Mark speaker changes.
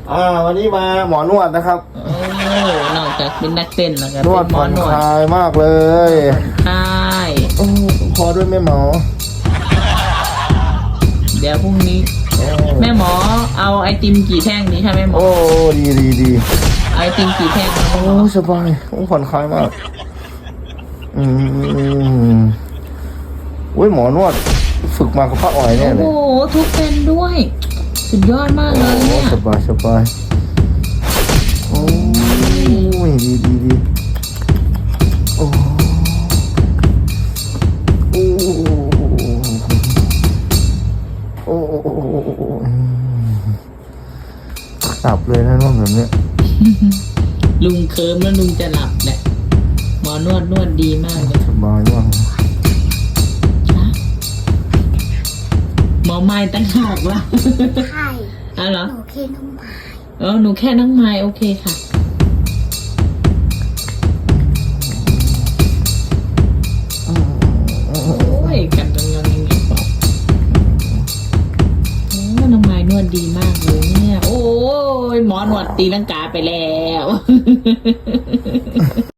Speaker 1: วันนี้มาหมอนวดนะครับ
Speaker 2: โอ้นอกจากเป็นนักเต้นแล้วก็
Speaker 1: นวด
Speaker 2: เป็นหม
Speaker 1: ผ่
Speaker 2: อ
Speaker 1: อน
Speaker 2: นว
Speaker 1: ค
Speaker 2: ด
Speaker 1: ลายมากเลย
Speaker 2: ใช่
Speaker 1: โอ้พอด้วยแม่หมอ
Speaker 2: เดี๋ยวพรุ่งนี้
Speaker 1: โอ้
Speaker 2: แม่หมอเอาไอติมกี่แท่งนี้ค่ะแม่หมอ
Speaker 1: โอ้ดี
Speaker 2: เอาไอติมกี่แท่งคะแม่
Speaker 1: โอ้
Speaker 2: หมอ
Speaker 1: สบายโอ้ผ่อนคลายมากอุ้ยหมอนวดฝึกมากับป้าอ๋อยแน่เล
Speaker 2: โอ้
Speaker 1: ย
Speaker 2: โหทุกเป็นด้วย สุดยอดมากเลยเนี่ย
Speaker 1: สบายโอ้ยดีโอ้โอ้ตับเลยนะนวดแบบเนี้ย
Speaker 2: ลุงเคิร์มแล้วลุงจะหลับแหละหมอนวดดีมากเลย
Speaker 1: สบายมาก
Speaker 2: ฮะหมอไม้ตั้งหากวะ
Speaker 3: ใช่
Speaker 2: อ๋อเหรอ
Speaker 3: หนูเคน้องหมา
Speaker 2: หนูแค่น้องไม้โอเคค่ะโอ้ยกันจังยังไงบอกโอ้น้องไม้นวดดีมากเลยเนี่ย โอ้ยหมอนวดตีลังกาไปแล้ว